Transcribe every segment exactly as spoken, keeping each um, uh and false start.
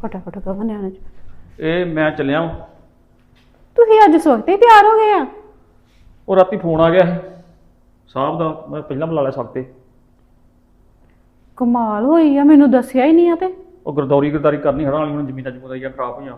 फटाफट कहो न्याणे च ਇਹ ਮੈਂ ਚੱਲਿਆ ਵਾਂ। ਤੁਸੀਂ ਅੱਜ ਸਵਖਤੇ ਹੀ ਤਿਆਰ ਹੋ ਗਏ ਆ। ਉਹ ਰਾਤੀ ਫੋਨ ਆ ਗਿਆ ਸੀ ਸਾਹਿਬ ਦਾ, ਮੈਂ ਪਹਿਲਾਂ ਬੁਲਾ ਲਿਆ ਸਵਖਤੇ। ਕਮਾਲ ਹੋਈ ਆ, ਮੈਨੂੰ ਦੱਸਿਆ ਹੀ ਨਹੀਂ ਆ। ਤੇ ਉਹ ਗਰਦੌਰੀ ਗਰਦਾਰੀ ਕਰਨੀ ਹੜਾਂ ਵਾਲੀ, ਹੁਣ ਜ਼ਮੀਨਾਂ ਜਮੂਨਾਂ ਦੀਆਂ ਖਰਾਬ ਹੋਈਆਂ।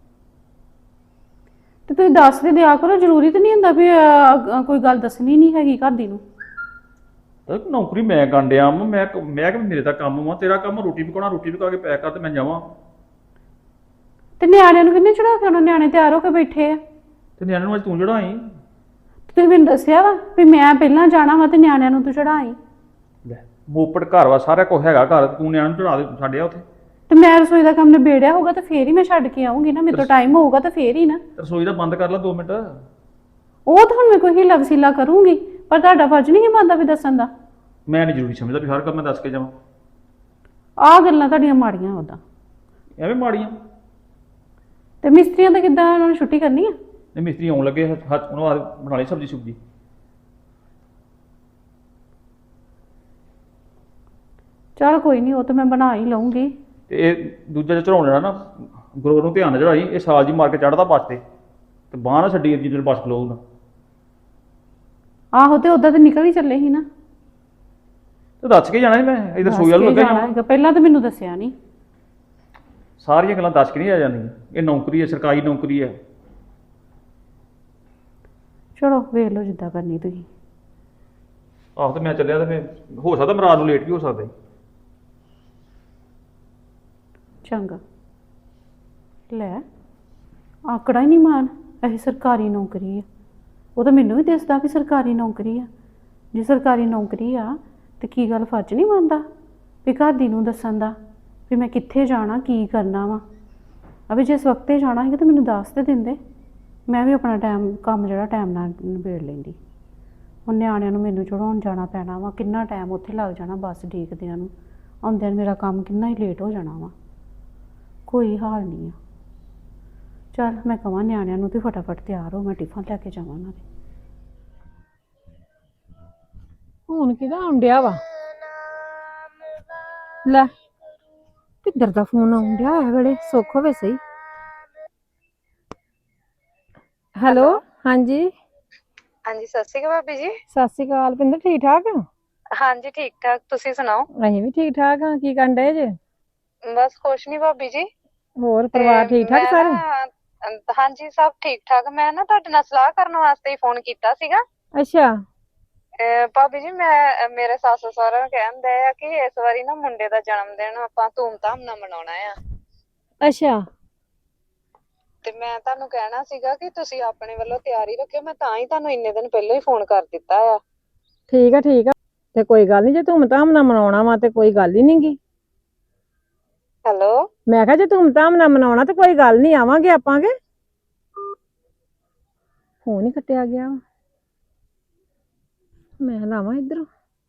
ਤੇ ਤੁਸੀਂ ਦੱਸ ਦੇ ਦਿਆ ਕਰੋ, ਜ਼ਰੂਰੀ ਤਾਂ ਨਹੀਂ ਹੁੰਦਾ ਵੀ ਅਹ, ਕੋਈ ਗੱਲ ਦੱਸਣੀ ਨਹੀਂ ਹੈਗੀ ਘਰ ਦੀ ਨੂੰ। ਤੇ ਨੌਕਰੀ ਮੈਂ ਕਰਨ ਡਿਆ ਵਾਂ, ਮੈਂ ਮੈਂ ਕਿ ਮੇਰੇ ਦਾ ਕੰਮ ਵਾ, ਤੇਰਾ ਕੰਮ ਰੋਟੀ ਪਕਾਉਣਾ, ਰੋਟੀ ਪਕਾ ਕੇ ਪੈਕ ਕਰ ਤੇ ਮੈਂ ਜਾਵਾਂ। ਤੇ ਨਿਆਣਿਆਂ ਨੂੰ ਕਿੰਨੇ ਚੜਾ ਕੇ ਆਉਣਾ? ਨਿਆਣੇ ਤਿਆਰ ਹੋ ਕੇ ਬੈਠੇ ਆ। ਤੇ ਨਿਆਣੇ ਨੂੰ ਅੱਜ ਤੂੰ ਚੜਾਈ। ਤੁਸੀਂ ਮੈਨੂੰ ਦੱਸਿਆ ਵਾ ਵੀ ਮੈਂ ਪਹਿਲਾਂ ਜਾਣਾ ਵਾ ਤੇ ਨਿਆਣਿਆਂ ਨੂੰ ਤੂੰ ਚੜਾਈ। ਲੈ ਮੋਪੜ ਘਰ ਵਾ, ਸਾਰਾ ਕੁਝ ਹੈਗਾ ਘਰ, ਤੂੰ ਨਿਆਣੇ ਨੂੰ ਚੜਾ ਦੇ ਛੱਡਿਆ ਉੱਥੇ। ਤੇ ਮੈਂ ਰਸੋਈ ਦਾ ਕੰਮ ਨਿਬੇੜਿਆ ਹੋਊਗਾ ਤਾਂ ਫੇਰ ਹੀ ਮੈਂ ਛੱਡ ਕੇ ਆਉਂਗੀ ਨਾ, ਮੇਰੇ ਤੋਂ ਟਾਈਮ ਹੋਊਗਾ ਤਾਂ ਫੇਰ ਹੀ ਨਾ। ਰਸੋਈ ਦਾ ਬੰਦ ਕਰ ਲੈ ਦੋ ਮਿੰਟ। ਉਹ ਤਾਂ ਹੁਣ ਮੈਂ ਕੋਈ ਹੀਲਾ ਵਸੀਲਾ ਕਰੂੰਗੀ, ਪਰ ਤੁਹਾਡਾ ਫਰਜ਼ ਨਹੀਂ ਬਣਦਾ ਵੀ ਦੱਸਣ ਦਾ। ਮੈਂ ਨਹੀਂ ਜ਼ਰੂਰੀ ਸਮਝਦਾ ਵੀ ਹਰ ਕੰਮ ਮੈਂ ਦੱਸ ਕੇ ਜਾਵਾਂ। ਆਹ ਗੱਲਾਂ ਤੁਹਾਡੀਆਂ ਮਾੜੀਆਂ ਉਦਾਂ। ਐਵੇਂ ਮਾੜੀਆਂ। ਤੇ ਮਿਸਤਰੀਆਂ ਦਾ ਕਿੱਦਾਂ, ਉਹਨਾਂ ਨੂੰ ਛੁੱਟੀ ਕਰਨੀ ਆ? ਨਹੀਂ ਮਿਸਤਰੀ ਆਉਣ ਲੱਗੇ, ਹੱਥ ਉਹਨਾਂ ਆ ਬਣਾ ਲਈ ਸਬਜ਼ੀ ਸੁਬਜੀ। ਚਲ ਕੋਈ ਨਹੀਂ, ਉਹ ਤਾਂ ਮੈਂ ਬਣਾ ਹੀ ਲਊਂਗੀ। ਤੇ ਇਹ ਦੂਜਾ ਜਿਹੜਾ ਚੜਾਉਣ ਲੈਣਾ ਨਾ, ਗੁਰੂ ਨੂੰ ਧਿਆਨ ਨਾਲ ਚੜਾਈ, ਇਹ ਸਾਲ ਜੀ ਮਾਰ ਕੇ ਚੜ੍ਹਦਾ ਬੱਸ ਤੇ ਤੇ ਬਾਂਹ ਨਾ ਛੱਡੀ ਜਿੱਦਣ ਬੱਸ ਖਲੋਊਗਾ। ਆਹੋ, ਤੇ ਉਦਾਂ ਤਾਂ ਨਿਕਲ ਹੀ ਚੱਲੇ ਸੀ ਨਾ। ਤੇ ਦੱਸ ਕੇ ਜਾਣਾ ਸੀ ਮੈਂ, ਇਧਰ ਸੋਈ ਵੱਲ ਲੱਗਾ ਜਾਣਾ। ਪਹਿਲਾਂ ਤਾਂ ਮੈਨੂੰ ਦੱਸਿਆ ਨਹੀਂ। ਸਾਰੀਆਂ ਗੱਲਾਂ ਦੱਸ ਕੇ ਨਹੀਂ ਆ ਜਾਂਦੀਆਂ। ਇਹ ਨੌਕਰੀ ਹੈ, ਸਰਕਾਰੀ ਨੌਕਰੀ ਹੈ। ਚਲੋ ਵੇਖ ਲਓ ਜਿੱਦਾਂ ਕਰਨੀ ਤੁਸੀਂ। ਆਹੋ ਤੇ ਮੈਂ ਚੱਲਿਆ ਤੇ ਫਿਰ ਹੋ ਸਕਦਾ ਮੈਂ ਰਾਤ ਨੂੰ ਲੇਟ ਵੀ ਹੋ ਸਕਦਾ। ਚੰਗਾ ਲੈ, ਆਕੜਾ ਹੀ ਨਹੀਂ ਮਾਨ, ਇਹ ਸਰਕਾਰੀ ਨੌਕਰੀ ਆ। ਉਹ ਤਾਂ ਮੈਨੂੰ ਵੀ ਦੱਸਦਾ ਵੀ ਸਰਕਾਰੀ ਨੌਕਰੀ ਆ। ਜੇ ਸਰਕਾਰੀ ਨੌਕਰੀ ਆ ਤੇ ਕੀ ਗੱਲ ਫਰਜ਼ ਨਹੀਂ ਬਣਦਾ ਵੀ ਘਰ ਦੀ ਨੂੰ ਦੱਸਣ ਦਾ ਵੀ ਮੈਂ ਕਿੱਥੇ ਜਾਣਾ, ਕੀ ਕਰਨਾ ਵਾ। ਅਬੇ ਜਿਸ ਵਕਤੇ ਜਾਣਾ ਸੀਗਾ ਤਾਂ ਮੈਨੂੰ ਦੱਸ ਤੇ ਦਿੰਦੇ, ਮੈਂ ਵੀ ਆਪਣਾ ਟਾਈਮ ਕੰਮ ਜਿਹੜਾ ਟਾਈਮ ਨਾਲ ਨਿਬੇੜ ਲੈਂਦੀ। ਹੁਣ ਨਿਆਣਿਆਂ ਨੂੰ ਮੈਨੂੰ ਚੜਾਉਣ ਜਾਣਾ ਪੈਣਾ ਵਾ, ਕਿੰਨਾ ਟਾਈਮ ਉੱਥੇ ਲੱਗ ਜਾਣਾ ਬੱਸ ਡੀਕਦਿਆਂ ਨੂੰ, ਆਉਂਦਿਆਂ ਨੂੰ ਮੇਰਾ ਕੰਮ ਕਿੰਨਾ ਹੀ ਲੇਟ ਹੋ ਜਾਣਾ ਵਾ। ਕੋਈ ਹਾਲ ਨਹੀਂ ਆ। ਚੱਲ ਮੈਂ ਕਹਾਂ ਨਿਆਣਿਆਂ ਨੂੰ ਤੇ ਫਟਾਫਟ ਤਿਆਰ ਹੋ, ਮੈਂ ਟਿਫਨ ਲੈ ਕੇ ਜਾਵਾਂ ਉਹਨਾਂ ਦੇ। ਹੁਣ ਕਿਹਦਾ ਆਉਂਦਿਆ ਵਾ? ਲੈ ਕਿੱਧਰ ਦਾ ਫੋਨ ਆਉਂਦਿਆ ਹੈ ਵੇਲੇ, ਸੁੱਖ ਹੋਵੇ ਸਹੀ। ਹੈਲੋ, ਹਾਂਜੀ ਹਾਂਜੀ, ਸਤਿ ਸ਼੍ਰੀ ਅਕਾਲ ਭਾਬੀ ਜੀ। ਸਤਿ ਸ਼੍ਰੀ ਅਕਾਲ ਪਿੰਦਰ, ਠੀਕ ਠਾਕ? ਹਾਂਜੀ ਠੀਕ ਠਾਕ, ਤੁਸੀਂ ਸੁਣਾਓ? ਅਸੀਂ ਵੀ ਠੀਕ ਠਾਕ ਹਾਂ। ਕੀ ਕਰਨ ਡਏ ਜੇ? ਬਸ ਕੁਛ ਨੀ ਭਾਬੀ ਜੀ। ਹੋਰ ਪਰਿਵਾਰ ਠੀਕ ਠਾਕ ਮੈਂ ਸਾਰੇ? ਨਾ ਅਹ ਹਾਂਜੀ ਸਭ ਠੀਕ ਠਾਕ। ਮੈਂ ਨਾ ਤੁਹਾਡੇ ਨਾਲ ਸਲਾਹ ਕਰਨ ਵਾਸਤੇ ਹੀ ਫੋਨ ਕੀਤਾ ਸੀਗਾ। ਅੱਛਾ। ਅਹ ਭਾਬੀ ਜੀ, ਮੈਂ ਮੇਰੇ ਸੱਸ ਸਹੁਰਾ ਕਹਿੰਦੇ ਆ ਕਿ ਇਸ ਵਾਰੀ ਨਾ ਮੁੰਡੇ ਦਾ ਜਨਮ ਦਿਨ ਆਪਾਂ ਧੂਮ-ਧਾਮ ਨਾਲ ਮਨਾਉਣਾ ਆ। ਅੱਛਾ। ਤੇ ਮੈਂ ਤੁਹਾਨੂੰ ਕਹਿਣਾ ਸੀਗਾ ਕਿ ਤੁਸੀਂ ਆਪਣੇ ਵੱਲੋਂ ਤਿਆਰੀ ਰੱਖਿਓ, ਮੈਂ ਤਾਂ ਹੀ ਤੁਹਾਨੂੰ ਇੰਨੇ ਦਿਨ ਪਹਿਲਾਂ ਹੀ ਫੋਨ ਕਰ ਦਿੱਤਾ ਆ। ਠੀਕ ਆ ਠੀਕ ਆ, ਤੇ ਕੋਈ ਗੱਲ ਨੀ, ਜੇ ਧੂਮ-ਧਾਮ ਨਾਲ ਮਨਾਉਣਾ ਵਾ ਤੇ ਕੋਈ ਗੱਲ ਹੀ ਨੀ ਗੀ। ਹੈਲੋ, ਮੈਂ ਕਿਹਾ ਜੇ ਧੂਮ-ਧਾਮ ਨਾਲ ਮਨਾਉਣਾ ਤੇ ਕੋਈ ਗੱਲ ਨੀ, ਆਵਾਂਗੇ ਆਪਾਂਗੇ। ਫੋਨ ਹੀ ਕੱਟਿਆ ਗਿਆ, ਮੈਂ ਲਾਵਾਂ ਇੱਧਰੋਂ।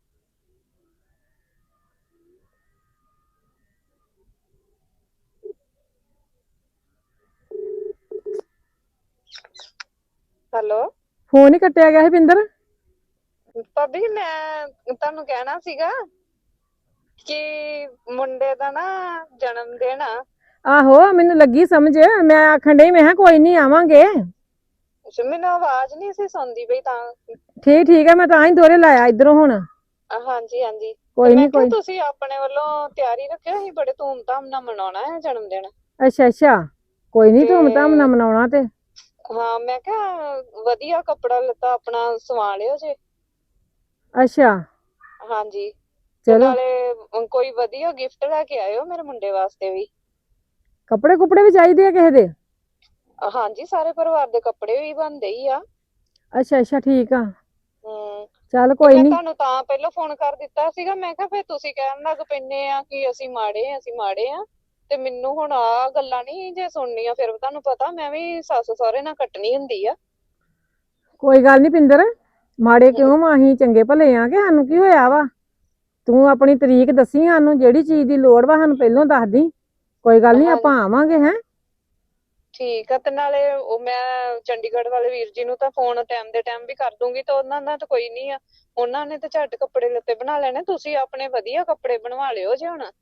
ਹੈਲੋ ਫੋਨ ਹੀ ਕੱਟਿਆ ਗਿਆ ਸੀ ਪਿੰਦਰ। ਭਾਬੀ ਜੀ, ਮੈਂ ਤੁਹਾਨੂੰ ਕਹਿਣਾ ਸੀਗਾ ਕਿ ਮੁੰਡੇ ਦਾ ਨਾ ਜਨਮ ਦਿਨ ਆ। ਆਹੋ ਮੈਨੂੰ ਲੱਗੀ ਸਮਝ, ਮੈਂ ਆਖਣ ਡਈ ਮੈਂ ਕਿਹਾ ਕੋਈ ਨੀ ਆਵਾਂਗੇ। ਮੈਨੂੰ ਆਵਾਜ਼ ਨਹੀਂ ਸੀ ਸੁਣਦੀ ਪਈ ਤਾਂ। ਠੀਕ ਠੀਕ ਆ, ਮੈਂ ਤਾਂ ਹੀ ਦੋਰੇ ਲਾਇਆ ਇੱਧਰੋਂ ਹੁਣ। ਹਾਂਜੀ ਹਾਂਜੀ, ਕੋਈ ਮੈਂ ਨੀ ਕਿਹਾ ਕੋਈ। ਤੁਸੀਂ ਆਪਣੇ ਵੱਲੋਂ ਤਿਆਰੀ ਰੱਖਿਓ, ਅਸੀਂ ਬੜੇ ਧੂਮ-ਧਾਮ ਨਾਲ ਮਨਾਉਣਾ ਹੈ ਜਨਮ ਦਿਨ। ਅੱਛਾ ਅੱਛਾ, ਕੋਈ ਨੀ ਤੇ ਧੂਮ-ਧਾਮ ਨਾਲ ਮਨਾਉਣਾ ਤੇ। ਹਾਂ, ਮੈਂ ਕਿਹਾ ਵਧੀਆ ਕੱਪੜਾ ਲੱਤਾ ਆਪਣਾ ਸਵਾ ਲਿਓ ਜੇ। ਅੱਛਾ। ਹਾਂਜੀ, ਤੇ ਚਲੋ ਨਾਲੇ ਕੋਈ ਵਧੀਆ ਗਿਫਟ ਲੈ ਕੇ ਆਇਓ ਮੇਰੇ ਮੁੰਡੇ ਵਾਸਤੇ ਵੀ। ਕੱਪੜੇ ਕੁਪੜੇ ਵੀ ਚਾਹੀਦੇ ਆ ਕਿਸੇ ਦੇ? ਹਾਂਜੀ, ਸਾਰੇ ਪਰਿਵਾਰ ਦੇ ਕੱਪੜੇ ਵੀ ਬਣਦੇ ਹੀ ਆ। ਅੱਛਾ ਅੱਛਾ, ਠੀਕ ਆ। ਹਮ ਚੱਲ ਤੇ ਕੋਈ ਮੈਂ ਨੀ। ਤੁਹਾਨੂੰ ਤਾਂ ਪਹਿਲਾਂ ਫੋਨ ਕਰ ਦਿੱਤਾ ਸੀਗਾ, ਮੈਂ ਕਿਹਾ ਫਿਰ ਤੁਸੀਂ ਕਹਿਣ ਲੱਗ ਪੈਂਦੇ ਆ ਕਿ ਅਸੀਂ ਮਾੜੇ ਆ ਅਸੀਂ ਮਾੜੇ ਆ। ਤੇ ਮੈਨੂੰ ਹੁਣ ਆਹ ਗੱਲਾਂ ਨੀ ਜੇ ਸੁਣਨੀਆਂ, ਫਿਰ ਤੁਹਾਨੂੰ ਪਤਾ ਮੈਂ ਵੀ ਸੱਸ ਸਹੁਰੇ ਨਾਲ ਕੱਟਣੀ ਹੁੰਦੀ ਆ। ਕੋਈ ਗੱਲ ਨੀ ਪਿੰਦਰ, ਮਾੜੇ ਕਿਉਂ ਵਾ, ਅਸੀਂ ਚੰਗੇ ਭਲੇ ਆ ਕਿ ਸਾਨੂੰ ਕੀ ਹੋਇਆ ਵਾ। ਤੂੰ ਆਪਣੀ ਤਰੀਕ ਦੱਸੀ ਸਾਨੂੰ, ਜਿਹੜੀ ਚੀਜ਼ ਦੀ ਲੋੜ ਵਾ ਸਾਨੂੰ ਪਹਿਲੋਂ ਦੱਸ ਦੀ। ਕੋਈ ਗੱਲ ਨੀ, ਆਪਾਂ ਆਵਾਂਗੇ। ਹੈਂ ਠੀਕ ਆ, ਤੇ ਨਾਲੇ ਉਹ ਮੈਂ ਚੰਡੀਗੜ੍ਹ ਵਾਲੇ ਵੀਰ ਜੀ ਨੂੰ ਤਾਂ ਫੋਨ ਟਾਈਮ ਦੇ ਟਾਈਮ ਵੀ ਕਰ ਦੂੰਗੀ, ਤੇ ਉਹਨਾਂ ਦਾ ਤਾਂ ਕੋਈ ਨੀ ਆ, ਉਹਨਾਂ ਨੇ ਤਾਂ ਝੱਟ ਕੱਪੜੇ ਲੱਤੇ ਬਣਾ ਲੈਣੇ। ਤੁਸੀਂ ਆਪਣੇ ਵਧੀਆ ਕੱਪੜੇ ਬਣਵਾ ਲਿਓ ਜੇ ਹੁਣ।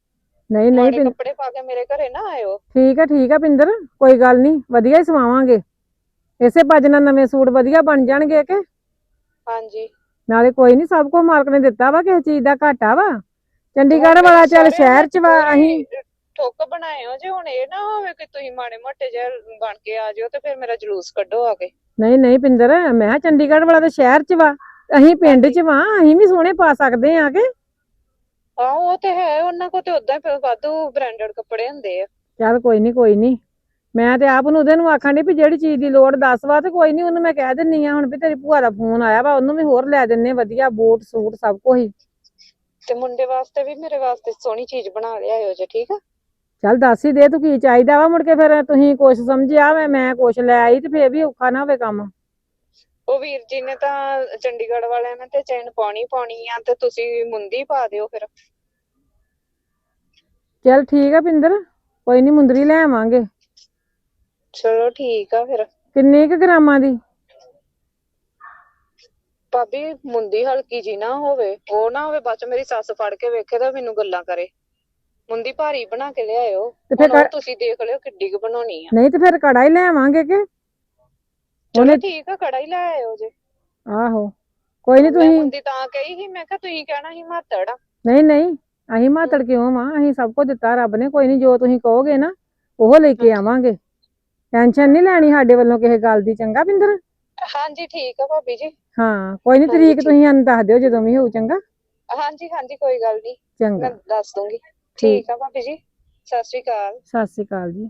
ਨਹੀਂ ਨਹੀਂ ਮਾੜੇ ਪਿੰ- ਕੱਪੜੇ ਪਾ ਕੇ ਮੇਰੇ ਘਰੇ ਨਾ ਆਇਓ। ਠੀਕ ਆ ਠੀਕ ਆ ਪਿੰਦਰ, ਕੋਈ ਗੱਲ ਨਹੀਂ, ਵਧੀਆ ਹੀ ਸਵਾਵਾਂਗੇ। ਇਸੇ ਭੱਜ ਨਾਲ ਨਵੇਂ ਸੂਟ ਵਧੀਆ ਬਣ ਜਾਣਗੇ ਕਿ ਹਾਂਜੀ ਨਾਲੇ ਕੋਈ ਨਹੀਂ, ਸਭ ਕੁਝ ਮਾਲਕ ਨੇ ਦਿੱਤਾ ਵਾ, ਕਿਸੇ ਚੀਜ਼ ਦਾ ਘਾਟਾ ਵਾ। ਚੰਡੀਗੜ੍ਹ ਹੁਣ ਵਾਲਾ ਮੇਰੇ ਚੱਲ ਸਹੁਰਿਆਂ ਸ਼ਹਿਰ ਨੇ ਚ ਵਾ, ਪੂਰੀ ਅਸੀਂ ਠੁੱਕ ਬਣਾਏ ਹੋ ਜੇ, ਹੁਣ ਇਹ ਨਾ ਹੋਵੇ ਕਿ ਤੁਸੀਂ ਮਾੜੇ ਮੋਟੇ ਜਿਹੇ ਬਣ ਕੇ ਆ ਜਾਓ ਤੇ ਫਿਰ ਮੇਰਾ ਜਲੂਸ ਕੱਢੋ ਆ ਕੇ। ਨਹੀਂ ਨਹੀਂ ਪਿੰਦਰ, ਮੈਂ ਕਿਹਾ ਚੰਡੀਗੜ੍ਹ ਵਾਲਾ ਤਾਂ ਸ਼ਹਿਰ ਚ ਵਾ, ਅਸੀਂ ਪਿੰਡ ਚ ਵਾ, ਅਸੀਂ ਵੀ ਸੋਹਣੇ ਪਾ ਸਕਦੇ ਆ ਕਿ। ਆਹੋ ਉਹ ਤੇ ਹੈ, ਉਹਨਾਂ ਕੋਲ ਤੇ ਉਦਾਂ ਹੀ ਵਾਧੂ ਬ੍ਰਾਂਡਡ ਕੱਪੜੇ ਹੁੰਦੇ ਆ। ਚੱਲ ਕੋਈ ਨਹੀਂ ਕੋਈ ਨਹੀਂ, ਮੈਂ ਤੇ ਆਪ ਨੂੰ ਉਹਦੇ ਨੂੰ ਆਖਣ ਡਈ ਵੀ ਜਿਹੜੀ ਚੀਜ਼ ਦੀ ਲੋੜ ਦੱਸ ਵਾ, ਤੇ ਕੋਈ ਨਹੀਂ ਉਹਨੂੰ ਮੈਂ ਕਹਿ ਦਿੰਨੀ ਆ ਹੁਣ ਵੀ ਤੇਰੀ ਭੂਆ ਦਾ ਫੋਨ ਆਇਆ ਵਾ, ਉਹਨੂੰ ਵੀ ਹੋਰ ਲੈ ਦਿੰਨੇ ਵਧੀਆ ਬੂਟ ਸੂਟ ਸਭ ਕੁਝ ਹੀ। ਤੇ ਮੁੰਡੇ ਵਾਸਤੇ ਵੀ ਮੇਰੇ ਵਾਸਤੇ ਸੋਹਣੀ ਚੀਜ਼ ਬਣਾ ਲਿਆਇਓ ਜੇ, ਠੀਕ ਆ। ਚੱਲ ਦੱਸ ਹੀ ਦੇ ਤੂੰ ਕੀ ਚਾਹੀਦਾ ਵਾ, ਮੁੜ ਕੇ ਫਿਰ ਤੁਸੀਂ ਕੁਛ ਸਮਝਿਆ ਮੈਂ ਮੈਂ ਕੁਛ ਲੈ ਆਈ ਤੇ ਫੇਰ ਵੀ ਔਖਾ ਨਾ ਹੋਵੇ ਕੰਮ। ਉਹ ਵੀਰ ਜੀ ਨੇ ਤਾਂ ਚੰਡੀਗੜ੍ਹ ਵਾਲਿਆਂ ਨੇ ਤੇ ਚੈਨ ਪਾਉਣੀ ਪਾਉਣੀ ਆ, ਤੇ ਤੁਸੀਂ ਮੁੰਦੀ ਪਾ ਦਿਓ ਫਿਰ। ਚੱਲ ਠੀਕ ਆ ਪਿੰਦਰ, ਕੋਈ ਨਹੀਂ ਮੁੰਦਰੀ ਲੈ ਆਵਾਂਗੇ। ਚਲੋ ਠੀਕ ਆ ਫਿਰ। ਕਿੰਨੇ ਕੁ ਗ੍ਰਾਮਾਂ ਦੀ? ਭਾਬੀ ਮੁੰਦੀ ਹਲਕੀ ਜੀ ਨਾ ਹੋਵੇ, ਉਹ ਨਾ ਹੋਵੇ ਬਾਅਦ ਚ ਮੇਰੀ ਸੱਸ ਫੜ ਕੇ ਵੇਖੇ ਤਾਂ ਮੈਨੂੰ ਗੱਲਾਂ ਕਰੇ। ਮੁੰਦੀ ਭਾਰੀ ਬਣਾ ਕੇ ਲਿਆਇਓ। ਤੇ ਫਿਰ ਹੁਣ ਉਹ ਕ- ਤੁਸੀਂ ਦੇਖ ਲਿਓ ਕਿੱਡੀ ਕੁ ਬਣਾਉਣੀ ਆ। ਨਹੀਂ ਤੇ ਫਿਰ ਕੜਾ ਹੀ ਲੈ ਆਵਾਂਗੇ ਕਿ। ਚਲੋ ਠੀਕ ਆ, ਕੜਾ ਹੀ ਲੈ ਆਇਓ ਜੇ। ਆਹੋ ਕੋਈ ਨਹੀਂ ਮੈਂ ਤੁਸੀਂ, ਮੁੰਦੀ ਤਾਂ ਕਹੀ ਸੀ, ਮੈਂ ਕਿਹਾ ਤੁਸੀਂ ਕਹਿਣਾ ਸੀ ਮਾਤੜ ਆ। ਨਹੀਂ ਨਹੀਂ ਅਸੀਂ ਮਾਤੜ ਕਿਉਂ ਵਾਂ, ਅਸੀਂ ਸਭ ਕੁਝ ਦਿੱਤਾ ਰੱਬ ਨੇ, ਕੋਈ ਨਹੀਂ ਜੋ ਤੁਸੀਂ ਕਹੋਗੇ ਨਾ ਉਹ ਲੈ ਕੇ ਆਵਾਂਗੇ। ਟੈਨਸ਼ਨ ਨਹੀਂ ਲੈਣੀ ਸਾਡੇ ਵੱਲੋਂ ਕਿਸੇ ਗੱਲ ਦੀ, ਚੰਗਾ ਪਿੰਦਰ। ਹਾਂਜੀ ਠੀਕ ਆ ਭਾਬੀ ਜੀ। ਹਾਂ ਕੋਈ ਨਹੀਂ, ਹਾਂਜੀ, ਤਰੀਕ ਠੀਕ। ਤੁਸੀਂ ਸਾਨੂੰ ਦੱਸ ਦਿਓ ਜਦੋਂ ਵੀ ਹੋਊ, ਚੰਗਾ ਹਾਂਜੀ ਹਾਂਜੀ ਕੋਈ ਗੱਲ ਨਹੀਂ, ਚੰਗਾ। ਮੈਂ ਦੱਸ ਦੂੰਗੀ। ਠੀਕ ਆ ਭਾਬੀ ਜੀ, ਸਤਿ ਸ਼੍ਰੀ ਅਕਾਲ। ਸਤਿ ਸ਼੍ਰੀ ਅਕਾਲ ਜੀ।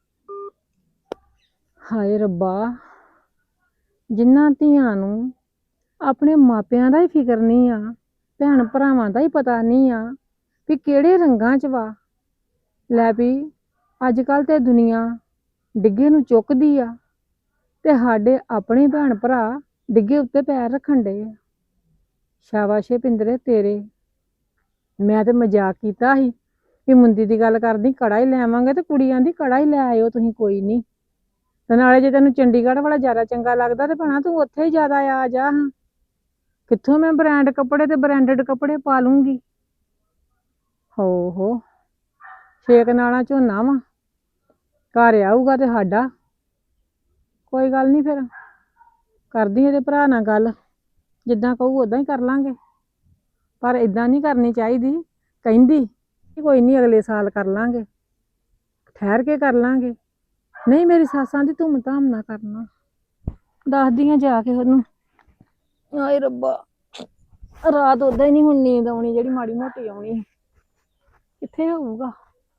ਹਾਏ ਰੱਬਾ, ਜਿਨ੍ਹਾਂ ਧੀਆਂ ਨੂੰ ਆਪਣੇ ਮਾਪਿਆਂ ਦਾ ਹੀ ਫਿਕਰ ਨਹੀਂ ਆ, ਭੈਣ ਭਰਾਵਾਂ ਦਾ ਹੀ ਪਤਾ ਨਹੀਂ ਆ ਵੀ ਕਿਹੜੇ ਰੰਗਾਂ 'ਚ ਵਾ। ਲੈ ਵੀ ਅੱਜ ਕੱਲ੍ਹ ਤੇ ਦੁਨੀਆ ਡਿੱਗੇ ਨੂੰ ਚੁੱਕਦੀ ਆ, ਤੇ ਸਾਡੇ ਆਪਣੇ ਭੈਣ ਭਰਾ ਡਿੱਗੇ ਉੱਤੇ ਪੈਰ ਰੱਖਣ ਡੇ ਆ। ਸ਼ਾਬਾਸ਼ ਏ ਪਿੰਦਰੇ ਤੇਰੇ, ਮੈਂ ਤੇ ਮਜ਼ਾਕ ਕੀਤਾ ਸੀ ਵੀ ਮੁੰਦੀ ਦੀ ਗੱਲ ਕਰਦੀ ਕੜਾ ਹੀ ਲੈ ਆਵਾਂਗੇ, ਤੇ ਕੁੜੀਆਂ ਦੀ ਕੜਾ ਹੀ ਲੈ ਆਇਓ ਤੁਸੀਂ, ਕੋਈ ਨਹੀਂ। ਤੇ ਨਾਲੇ ਜੇ ਤੈਨੂੰ ਚੰਡੀਗੜ੍ਹ ਵਾਲਾ ਜ਼ਿਆਦਾ ਚੰਗਾ ਲੱਗਦਾ ਤੇ ਭੈਣਾ ਤੂੰ ਉੱਥੇ ਹੀ ਜ਼ਿਆਦਾ ਆ ਜਾ ਹਾਂ। ਕਿੱਥੋਂ ਮੈਂ ਬ੍ਰਾਂਡ ਕੱਪੜੇ ਤੇ ਬ੍ਰਾਂਡਡ ਕੱਪੜੇ ਪਾ ਲੂੰਗੀ। ਹੋ ਹੋ ਛੇਕ ਨਾਲਾਂ ਝੋਨਾ ਵਾ, ਘਰ ਆਊਗਾ ਤੇ ਸਾਡਾ। ਕੋਈ ਗੱਲ ਨਹੀਂ, ਫਿਰ ਕਰਦੀ ਇਹਦੇ ਭਰਾ ਨਾਲ ਗੱਲ, ਜਿੱਦਾਂ ਕਹੂ ਉਦਾਂ ਹੀ ਕਰ ਲਾਂਗੇ। ਪਰ ਇਦਾਂ ਨਹੀਂ ਕਰਨੀ ਚਾਹੀਦੀ, ਕਹਿੰਦੀ ਕੋਈ ਨਹੀਂ ਅਗਲੇ ਸਾਲ ਕਰ ਲਾਂਗੇ, ਠਹਿਰ ਕੇ ਕਰ ਲਾਂਗੇ। ਨਹੀਂ ਮੇਰੀ ਸੱਸਾਂ ਦੀ ਧੂਮ ਧਾਮ ਨਾ ਕਰਨਾ, ਦੱਸਦੀ ਆ ਜਾ ਕੇ ਉਹਨੂੰ। ਹਾਏ ਰੱਬਾ, ਰਾਤ ਉਦਾਂ ਹੀ ਨਹੀਂ ਹੁਣ ਨੀਂਦ ਆਉਣੀ, ਜਿਹੜੀ ਮਾੜੀ ਮੋਟੀ ਆਉਣੀ ਕਿੱਥੇ ਹੋਊਗਾ।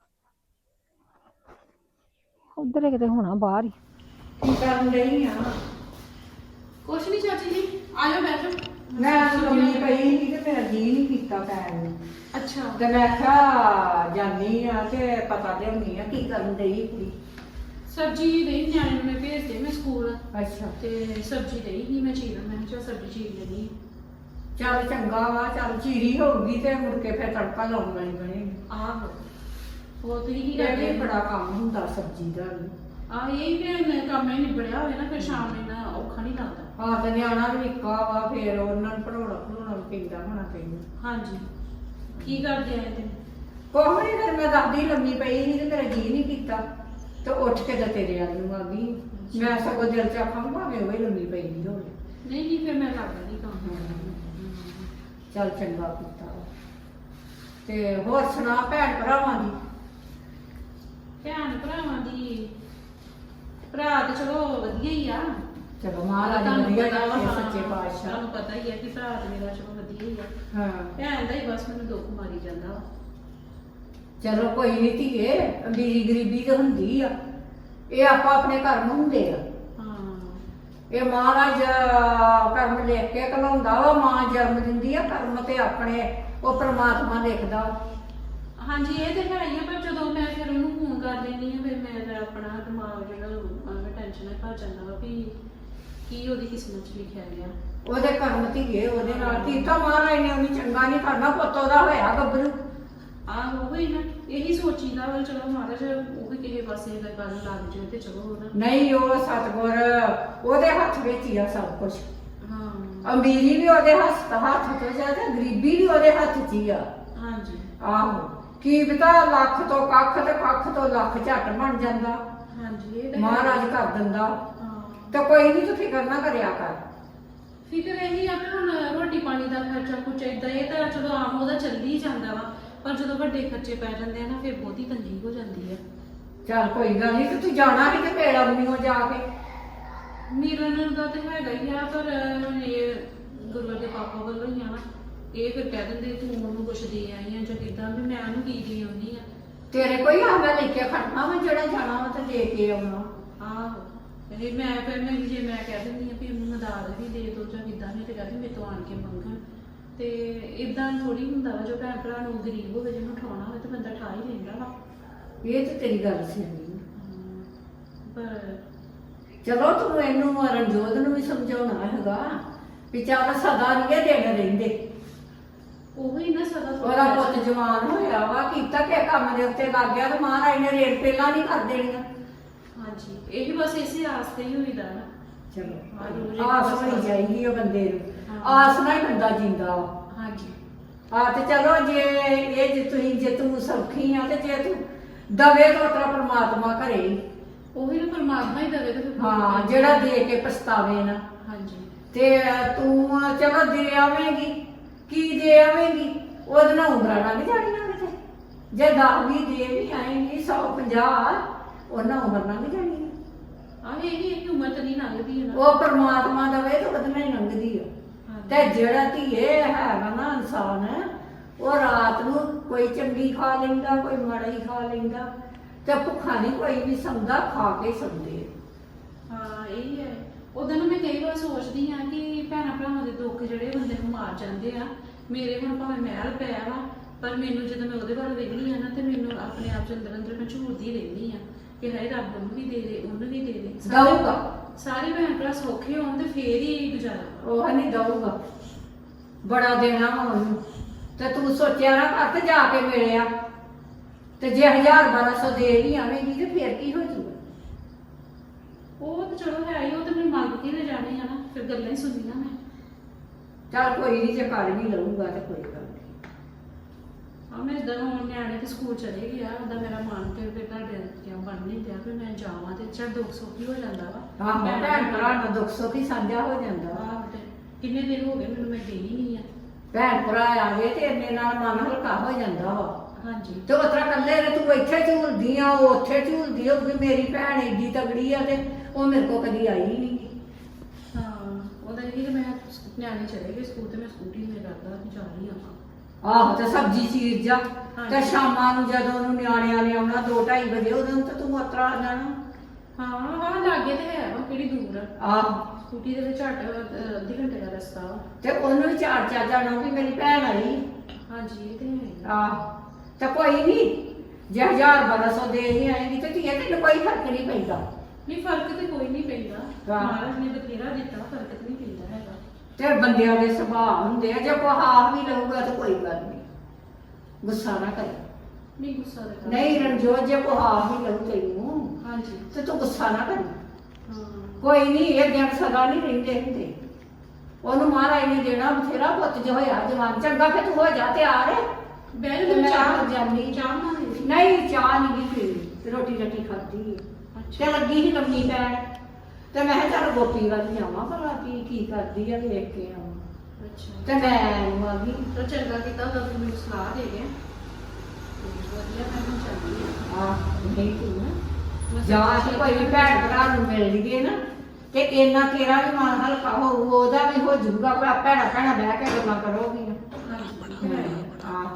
ਉਧਰ ਕਿਤੇ ਹੋਣਾ ਬਾਹਰ ਹੀ। ਕੀ ਕਰਨ ਡਈ ਆ? ਕੁਛ ਨਹੀਂ ਚਾਚੀ ਜੀ, ਆ ਜਾਓ ਬੈਠੋ। ਮੈਂ ਲੰਮੀ ਪਈ ਸੀ ਤੇ ਮੇਰਾ ਜੀ ਨਹੀਂ ਕੀਤਾ ਪੈਣ ਨੂੰ, ਅੱਛਾ ਤੇ ਮੈਂ ਕਿਹਾ ਜਾਨੀ ਆ ਤੇ ਪਤਾ ਲਿਆਉਣੀ ਆ ਕੀ ਕਰਨ ਡਈ ਕੁੜੀ। ਸਬਜ਼ੀ ਦੇਈ ਨਿਆਣੇ ਨੂੰ ਮੈਂ ਭੇਜਦੇ ਮੈਂ ਸਕੂਲ, ਅੱਛਾ ਤੇ ਸਬਜ਼ੀ ਦੇਈ ਨਹੀਂ ਮੈਂ ਚੀਰਨ, ਮੈਂ ਕਿਹਾ ਚੱਲ ਸਬਜ਼ੀ ਚੀਰ ਲੈਣੀ। ਚੱਲ ਚੰਗਾ ਵਾ, ਚੱਲ ਚੀਰੀ ਹੋਊਗੀ ਤੇ ਮੁੜ ਕੇ ਫਿਰ ਤੜਕਾ ਲਾਉਣ ਵਾਲੀ ਬਣੇਗੀ। ਆਹੋ ਹੋਰ ਤੁਸੀਂ ਕੀ ਇਹ ਕਰਦੇ? ਵੀ ਬੜਾ ਕੰਮ ਹੁੰਦਾ ਸਬਜ਼ੀ ਦਾ ਵੀ। ਆ ਇਹ ਵੀ ਕੰਮ ਹੀ ਨਿਬੜਿਆ ਹੋਵੇ ਨਾ, ਫਿਰ ਸ਼ਾਮ ਨੂੰ ਇੰਨਾ ਔਖਾ ਨਹੀਂ ਲੱਗਦਾ। ਹਾਂ ਤੇ ਨਿਆਣਾ ਵੀ ਨਿੱਕਾ ਵਾ, ਫਿਰ ਉਹਨਾਂ ਨੂੰ ਪੜਾਉਣਾ ਪੜਾਉਣਾ ਵੀ ਪੈਂਦਾ ਹੋਣਾ ਪੈਂਦਾ। ਹਾਂਜੀ ਕੀ ਕਰਦੇ ਆਏ ਤੇ? ਕੁਛ ਨਹੀਂ, ਫਿਰ ਮੈਂ ਦੱਸਦੀ ਲੰਮੀ ਪਈ ਸੀ ਤੇ ਮੇਰਾ ਜੀ ਨਹੀਂ ਕੀਤਾ, ਤੇ ਉੱਠ ਕੇ ਤਾਂ ਤੇਰੇ ਵੱਲ ਨੂੰ ਆ ਗਈ। ਮੈਂ ਸਗੋਂ ਦਿਲ ਚ ਆਖਾਂ ਭਾਵੇਂ ਉਹ ਹੀ ਲੰਮੀ ਪਈ ਨਹੀਂ ਹੋਵੇ। ਨਹੀਂ ਨਹੀਂ ਫਿਰ ਮੈਂ ਕਰ ਦਿੰਦੀ ਕੰਮ। ਚੱਲ ਚੰਗਾ ਕੀਤਾ ਵਾ। ਤੇ ਹੋਰ ਸੁਣਾ ਭੈਣ ਭਰਾਵਾਂ ਦੀ? ਭੈਣ ਭਰਾਵਾਂ ਦੀ, ਭਰਾ ਤੇ ਚਲੋ ਵਧੀਆ ਹੀ ਆ। ਚਲੋ ਮਹਾਰਾਜ ਤੁਹਾਨੂੰ ਵਧੀਆ ਪਤਾ ਵਾ, ਰੱਖੇ ਹਾਂ, ਸੱਚੇ ਪਾਤਸ਼ਾਹ। ਤੁਹਾਨੂੰ ਪਤਾ ਹੀ ਹੈ ਕਿ ਭਰਾ ਤੇ ਮੇਰਾ ਚਲੋ ਵਧੀਆ ਹੀ ਆ। ਹਾਂ ਭੈਣ ਦਾ ਹੀ ਬਸ ਮੈਨੂੰ ਦੁੱਖ ਮਾਰੀ ਜਾਂਦਾ ਵਾ। ਚਲੋ ਕੋਈ ਨਹੀਂ ਧੀਏ, ਅਮੀਰੀ ਗਰੀਬੀ ਤਾਂ ਹੁੰਦੀ ਆ, ਇਹ ਆਪਾਂ ਆਪਣੇ ਕਰਮ ਹੁੰਦੇ ਆ। ਹਾਂ ਇਹ ਮਹਾਰਾਜ ਕਰਮ ਲਿਖ ਕੇ ਘਲਾਉਂਦਾ ਵਾ, ਮਾਂ ਜਨਮ ਦਿੰਦੀ ਆ, ਕਰਮ ਤੇ ਆਪਣੇ ਉਹ ਪ੍ਰਮਾਤਮਾ ਲਿਖਦਾ। ਹਾਂਜੀ ਇਹ ਤੇ ਹੈ ਹੀ ਆ, ਪਰ ਜਦੋਂ ਮੈਂ ਫਿਰ ਉਹਨੂੰ ਫੋਨ ਕਰ ਦਿੰਦੀ ਆ, ਫਿਰ ਮੈਂ ਫਿਰ ਆਪਣਾ ਦਿਮਾਗ ਜਿਹੜਾ ਮੈਂ ਟੈਨਸ਼ਨ ਨਾਲ ਭਰ ਜਾਂਦਾ ਵਾ ਵੀ ਕੀ ਉਹਦੀ ਕਿਸਮਤ 'ਚ ਲਿਖਿਆ ਗਿਆ। ਉਹਦੇ ਕਰਮ ਧੀਏ, ਉਹਦੇ ਨਾਲ ਕੀਤਾ ਮਹਾਰਾਜ ਨੇ ਉਹਨੂੰ ਚੰਗਾ ਨਹੀਂ ਕਰਨਾ, ਪੁੱਤ ਉਹਦਾ ਹੋਇਆ ਗੱਭਰੂ। ਆਹ ਉਹ ਹੀ ਨਾ, ਇਹੀ ਸੋਚੀਦਾ ਵਾ ਚਲੋ ਮਹਾਰਾਜ ਉਹ ਵੀ ਕਿਸੇ ਪਾਸੇ ਦਾ ਗੱਲ ਲੱਗ ਜਾਵੇ ਤੇ ਚਲੋ ਨਾ। ਨਹੀਂ ਉਹ ਸਤਿਗੁਰ ਉਹਦੇ ਹੱਥ ਵਿੱਚ ਹੀ ਆ ਸਭ ਕੁਝ। ਹਾਂ ਅਮੀਰੀ ਵੀ ਉਹਦੇ ਹੱਥ ਹੱਥ ਤੋਂ ਜ਼ਿਆਦਾ, ਗਰੀਬੀ ਵੀ ਉਹਦੇ ਹੱਥ 'ਚ ਹੀ ਆ। ਹਾਂਜੀ ਆਹੋ ਕੀ ਪਤਾ ਲੱਖ ਤੋਂ ਕੱਖ ਤੇ ਕੱਖ ਤੋਂ ਲੱਖ ਝੱਟ ਬਣ ਜਾਂਦਾ। ਹਾਂਜੀ ਇਹ ਤਾਂ ਮਹਾਰਾਜ ਕਰ ਦਿੰਦਾ। ਹਾਂ ਤੇ ਕੋਈ ਨਹੀਂ ਤੂੰ ਫਿਕਰ ਨਾ ਕਰਿਆ ਕਰ। ਫਿਕਰ ਇਹੀ ਆ ਕਿ ਹੁਣ ਰੋਟੀ ਪਾਣੀ ਦਾ ਖਰਚਾ ਕੁਛ ਏਦਾਂ ਇਹ ਤਾਂ ਚਲੋ ਆਮ ਉਹਦਾ ਚੱਲੀ ਜਾਂਦਾ ਵਾ, ਪਰ ਜਦੋਂ ਵੱਡੇ ਖਰਚੇ ਪੈ ਜਾਂਦੇ ਆ ਨਾ ਫਿਰ ਬਹੁਤੀ ਤੰਗੀ ਹੋ ਜਾਂਦੀ ਆ। ਚੱਲ ਕੋਈ ਗੱਲ ਨਹੀਂ, ਤੇ ਤੂੰ ਜਾਣਾ ਵੀ ਤੇ ਪੇੜ ਆਉਣੀ ਹੋ ਜਾ ਕੇ। ਮਿਲਣ ਦਾ ਤੇ ਹੈਗਾ ਹੀ ਆ, ਪਰ ਹੁਣ ਇਹ ਗੁਰੂ ਦੇ ਪਾਪਾ ਵੱਲੋਂ ਹੀ ਆ ਨਾ, ਇਹ ਫਿਰ ਕਹਿ ਦਿੰਦੇ ਤੂੰ ਉਹਨੂੰ ਕੁਛ ਦੇ ਆਈ ਆ ਜਾਂ ਕਿੱਦਾਂ, ਵੀ ਮੈਂ ਉਹਨੂੰ ਕੀ ਦੇ ਆਉਂਦੀ ਆ। ਤੇਰੇ ਕੋਈ ਆ ਮੈਂ ਲੈ ਕੇ ਖੜਨਾ ਵਾ, ਜਿਹੜਾ ਜਾਣਾ ਵਾ ਤੇ ਦੇ ਕੇ ਆਉਣਾ। ਆਹੋ ਇਹ ਮੈਂ ਫਿਰ ਮੈਂ ਜੇ ਮੈਂ ਕਹਿ ਦਿੰਦੀ ਆ ਵੀ ਉਹਨੂੰ ਮਦਦ ਵੀ ਦੇ ਦੋ ਜਾਂ ਕਿੱਦਾਂ, ਨਹੀਂ ਤੇ ਕਹਿੰਦੇ ਮੇਰੇ ਤੋਂ ਆਣ ਕੇ ਮੰਗਣ, ਤੇ ਇਦਾਂ ਥੋੜੀ ਹੁੰਦਾ ਵਾ। ਜੋ ਭੈਣ ਭਰਾ ਨੂੰ ਗਰੀਬ ਹੋਵੇ ਜਿਹਨੂੰ ਉਠਾਉਣਾ ਹੋਵੇ ਤੇ ਬੰਦਾ ਠਾ ਹੀ ਲੈਂਦਾ ਵਾ। ਇਹ ਤੇ ਤੇਰੀ ਗੱਲ ਸਿਆਣੀ ਆ। ਪਰ ਚਲੋ ਤੂੰ ਇਹਨੂੰ ਰਣਜੋਤ ਨੂੰ ਵੀ ਸਮਝਾਉਣਾ ਹੈਗਾ ਵੀ ਚੱਲ ਸਦਾ ਨਹੀਂ ਇਹ ਦਿਨ ਰਹਿੰਦੇ। ਉਹੀ ਨਾ ਸਦਾ ਉਹਦਾ ਪੁੱਤ ਜਵਾਨ ਹੋਇਆ ਵਾ, ਕੀਤਾ ਕਿ ਕੰਮ ਦੇ ਉੱਤੇ ਲੱਗ ਗਿਆ ਤੇ ਮਹਾਰਾਜ ਨੇ ਰੇਟ ਪਹਿਲਾਂ ਨਹੀਂ ਕਰ ਦੇਣੀਆਂ। ਹਾਂਜੀ ਇਹੀ ਬਸ ਇਸੇ ਆਸ ਤੇ ਹੀ ਹੋਈਦਾ ਨਾ। ਚਲੋ ਆਸ ਹੋਣੀ ਚਾਹੀਦੀ ਆ ਬੰਦੇ ਨੂੰ, ਆਸ ਨਾਲ ਹੀ ਬੰਦਾ ਜਿੰਦਾ ਵਾ। ਹਾਂਜੀ ਆ ਤੇ ਚਲੋ ਜੇ ਇਹ ਜੇ ਤੁਸੀਂ ਜੇ ਤੂੰ ਸੌਖੀ ਆ ਤੇ ਜੇ ਤੂੰ ਦਵੇ ਤਾਂ ਤੇਰਾ ਪ੍ਰਮਾਤਮਾ ਘਰੇ ਹੀ। ਉਹੀ ਨਾ ਪਰਮਾਤਮਾ ਹੀ ਦੇਵੇ ਤੇ ਫਿਰ ਹਾਂ ਜਿਹੜਾ ਦੇ ਕੇ ਪਛਤਾਵੇ ਨਾ। ਹਾਂਜੀ ਤੇ ਤੂੰ ਚਲੋ ਦੇ ਆਵੇਂਗੀ, ਕੀ ਦੇ ਆਵੇਂਗੀ, ਉਹਦੇ ਨਾਲ ਉਂਗਲਾਂ ਲੰਘ ਜਾਣੀਆਂ ਕਿਤੇ। ਜੇ ਦਸ ਵੀ ਦੇ ਵੀ ਆਏਂਗੀ ਸੌ ਪੰਜਾਹ, ਉਹਨਾਂ ਉਮਰ ਲੰਘ ਜਾਣੀ ਆ। ਆਹ ਇਹ ਨਹੀਂ ਕਿ ਉਮਰ ਤਾਂ ਨਹੀਂ ਲੰਘਦੀ ਹੈ ਨਾ। ਉਹ ਪਰਮਾਤਮਾ ਦਵੇ ਤਾਂ ਉਹਦੇ ਨਾਲ ਹੀ ਲੰਘਦੀ ਆ। ਹਾਂਜੀ। ਤੇ ਜਿਹੜਾ ਧੀਏ ਹੈਗਾ ਨਾ ਇਨਸਾਨ, ਉਹ ਰਾਤ ਨੂੰ ਕੋਈ ਚੰਗੀ ਖਾ ਲੈਂਦਾ, ਕੋਈ ਮਾੜੀ ਖਾ ਲੈਂਦਾ, ਤੇ ਭੁੱਖਾ ਨਹੀਂ ਕੋਈ ਵੀ ਸੌਂਦਾ, ਖਾ ਕੇ ਸੌਂਦੇ। ਹਾਂ ਇਹ ਹੈ। ਉਦੋਂ ਨਾ ਮੈਂ ਕਈ ਵਾਰ ਸੋਚਦੀ ਆ ਕਿ ਭੈਣਾਂ ਭਰਾਵਾਂ ਦੇ ਦੁੱਖ ਜਿਹੜੇ ਬੰਦੇ ਨੂੰ ਮਾਰ ਜਾਂਦੇ ਆ। ਮੇਰੇ ਹੁਣ ਭਾਵੇਂ ਮਹਿਲ ਪਿਆ ਵਾ, ਪਰ ਮੈਨੂੰ ਜਦੋਂ ਮੈਂ ਉਹਦੇ ਵੱਲ ਵੇਖਦੀ ਆ ਨਾ ਤੇ ਮੈਨੂੰ ਆਪਣੇ ਆਪ ਚ ਅੰਦਰ ਅੰਦਰ ਮੈਂ ਝੂਰਦੀ ਰਹਿੰਦੀ ਆ ਕਿ ਹਾਏ ਰੱਬ ਉਹਨੂੰ ਵੀ ਦੇ ਦੇ, ਉਹਨੂੰ ਵੀ ਦੇ ਦੇ। ਸਾਰੇ- ਦਊਗਾ। ਸਾਰੇ ਭੈਣ ਭਰਾ ਸੌਖੇ ਹੋਣ ਤੇ ਫੇਰ ਹੀ ਗੁਜ਼ਾਰਾ। ਉਹ ਨਹੀਂ ਦਊਗਾ, ਬੜਾ ਦੇਣਾ ਵਾ ਉਹਨੂੰ। ਤੇ ਤੂੰ ਸੋਚਿਆ ਨਾ ਘੱਟ ਜਾ ਕੇ ਮਿਲਿਆ, ਤੇ ਜੇ ਹਜ਼ਾਰ ਬਾਰਾਂ ਸੌ ਦੇ ਵੀ ਆਵੇਂਗੀ ਤੇ ਫੇਰ ਕੀ ਹੋ ਜਾਊਗਾ। ਉਹ ਤਾਂ ਚਲੋ ਹੈ ਹੀ, ਉਹ ਤਾਂ ਮੈਨੂੰ ਮੰਗ ਕੇ ਲੈ ਜਾਣੇ ਆ ਨਾ, ਫਿਰ ਗੱਲਾਂ ਹੀ ਸੁਣੀਆਂ ਮੈਂ। ਚੱਲ ਕੋਈ ਨਹੀਂ, ਜੇ ਕਰ ਵੀ ਲਊਗਾ ਤੇ ਕੋਈ ਗੱਲ ਨਹੀਂ। ਆ ਮੈਂ ਇਦਾਂ ਹੁਣ ਨਿਆਣੇ ਤੇ ਸਕੂਲ ਚਲੇ ਗਿਆ, ਉਹਦਾ ਮੇਰਾ ਮਨ ਤੇ ਫਿਰ ਤੁਹਾਡੇ ਕਿਉਂ ਬਣ ਨਹੀਂ ਪਿਆ ਵੀ ਮੈਂ ਜਾਵਾਂ ਤੇ ਚੱਲ ਦੁੱਖ ਸੁੱਖ ਹੀ ਹੋ ਜਾਂਦਾ ਵਾ। ਆਹ ਭੈਣ ਭਰਾ ਨਾਲ ਦੁੱਖ ਸੁੱਖ ਹੀ ਸਾਂਝਾ ਹੋ ਜਾਂਦਾ ਵਾ। ਆਹ ਤੇ ਕਿੰਨੇ ਦਿਨ ਹੋ ਗਏ ਮੈਨੂੰ, ਮੈਂ ਗਈ ਨਹੀਂ ਆ। ਭੈਣ ਭਰਾ ਆਵੇ ਤੇ ਇੰਨੇ ਨਾਲ ਮਨ ਹਲਕਾ ਹੋ ਜਾਂਦਾ ਵਾ। ਹਾਂਜੀ ਤੇ ਉਸ ਤਰ੍ਹਾਂ ਕੱਲੇ ਨੇ ਤੂੰ ਇੱਥੇ ਝੂਲਦੀ ਆ, ਉਹ ਉੱਥੇ ਝੂਲਦੀ ਹੋਊਗੀ। ਮੇਰੀ ਭੈਣ ਏਡੀ ਤਗੜੀ ਆ ਤੇ ਉਹ ਮੇਰੇ ਕੋਲ ਕਦੀ ਆਈ ਨਹੀਂ। ਹਾਂ ਉਹਦਾ ਇਹ ਕਿ ਮੈਂ ਨਿਆਣੇ ਚਲੇ ਗਏ ਸਕੂਲ ਤੇ ਮੈਂ ਸਕੂਟੀ ਤੇ ਕਰਦਾ ਜਾ ਰਹੀ ਆ। ਆਹੋ ਤੇ ਸਬਜ਼ੀ ਚੀਰ ਜਾ, ਤੇ ਹਾਂਜੀ। ਸ਼ਾਮਾਂ ਨੂੰ ਜਦੋਂ ਉਹਨੂੰ ਨਿਆਣਿਆਂ ਨੇ ਆਉਣਾ ਦੋ ਢਾਈ ਵਜੇ, ਉਦੋਂ ਤਾਂ ਤੂੰ ਉਤਰਾ ਆ ਜਾਣਾ। ਹਾਂ ਹਾਂ ਲਾਗੇ ਤੇ ਹੈ ਵਾ, ਕਿਹੜੀ ਦੂਰ ਆ। ਆਹ ਸਕੂਟੀ ਦੇ ਵਿੱਚ ਝੱਟ ਅਹ, ਅੱਧੇ ਘੰਟੇ ਦਾ ਰਸਤਾ ਵਾ। ਤੇ ਉਹਨੂੰ ਵੀ ਚਾਰ ਚਾਰ ਜਾਣਾ ਵੀ ਮੇਰੀ ਭੈਣ ਆਈ। ਹਾਂਜੀ ਇਹ ਤੇ ਹੈ। ਆਹ ਤੇ ਕੋਈ ਨਹੀਂ, ਜੇ ਹਜ਼ਾਰ ਬਾਰਾਂ ਸੌ ਦੇ ਹੀ ਆਏਗੀ ਤੇ ਧੀਏ ਤੈਨੂੰ ਕੋਈ ਫਰਕ ਨਹੀਂ ਪੈਂਦਾ। ਨਹੀਂ ਫਰਕ ਤੇ ਕੋਈ ਨਹੀਂ ਪੈਂਦਾ, ਹਾਂ। ਮਹਾਰਾਜ ਨੇ ਬਥੇਰਾ ਦਿੱਤਾ, ਫਰਕ ਤੇ ਨਹੀਂ ਪੈਂਦਾ ਹੈਗਾ। ਤੇ ਬੰਦਿਆਂ ਦੇ ਸੁਭਾਅ ਹੁੰਦੇ ਆ, ਜੇ ਕੋਈ ਹਾਰ ਵੀ ਲਊਗਾ ਤਾਂ ਕੋਈ ਗੱਲ ਨਹੀਂ, ਗੁੱਸਾ ਨਾ ਕਰ। ਨਹੀਂ ਗੁੱਸਾ ਦੇ ਕਰ। ਨਹੀਂ ਰਣਜੋਤ, ਜੇ ਕੋਈ ਹਾਰ ਵੀ ਲਊ ਤੈਨੂੰ ਹਾਂਜੀ ਤੇ ਤੂੰ ਗੁੱਸਾ ਨਾ ਕਰ। ਹਾਂ ਕੋਈ ਨਹੀਂ, ਇਹ ਦਿਨ ਸਦਾ ਨਹੀਂ ਰਹਿੰਦੇ ਹੁੰਦੇ। ਉਹਨੂੰ ਮਹਾਰਾਜ ਨੇ ਦੇਣਾ ਬਥੇਰਾ, ਪੁੱਤ ਜੋ ਹੋਇਆ ਜਵਾਨ। ਚੰਗਾ ਫਿਰ ਤੂੰ ਹੋ ਜਾ ਤਿਆਰ। ਬੈਲ ਤੇ ਨੂੰ ਮੈਂ ਚਾਹ ਜਾਂਦੀ। ਚਾਹ ਬਣਾ ਲਈ। ਨਹੀਂ ਚਾਹ ਨਹੀਂ ਗਈ ਪੀਣੀ, ਰੋਟੀ ਰੱਟੀ ਖਾਧੀ ਅੱਛਾ ਤੇ ਲੱਗੀ ਸੀ ਲੰਮੀ ਪੈਣ। ਤੇ ਮੈਂ ਕਿਹਾ ਚੱਲ ਗੋਪੀ ਵੱਲ ਜਾਵਾਂ ਭਲਾ ਕੀ ਕੀ ਕਰਦੀ ਆ, ਵੇਖ ਕੇ ਆਵਾਂ। ਅੱਛਾ ਤੇ ਮੈਂ ਆ ਗਈ। ਤਾਂ ਚੰਗਾ ਕੀਤਾ ਉਹਦਾ ਤੁਸੀਂ ਮੈਨੂੰ ਸਲਾਹ ਦੇ ਗਏ। ਵਧੀਆ ਮੈਂ ਹੁਣ ਚੱਲਦੀ ਹਾਂ। ਆ ਨਹੀਂ ਤੂੰ ਨਾ ਮੈਂ ਜਾ ਸੋਚਿਆ ਕੇ ਕੋਈ ਵੀ ਭੈਣ ਭਰਾ ਨੂੰ ਮਿਲ ਲਈਏ ਨਾ ਤੇ ਇੰਨਾ ਤੇਰਾ ਵੀ ਮਨ ਹਲਕਾ ਹੋਊ, ਉਹਦਾ ਵੀ ਹੋ ਜਾਊਗਾ। ਕੋਈ ਭੈਣਾ ਭੈਣਾ ਬਹਿ ਕੇ ਗੱਲਾਂ ਕਰੋਗੀ ਨਾ। ਹਾਂਜੀ ਹੈ। ਹਾਂ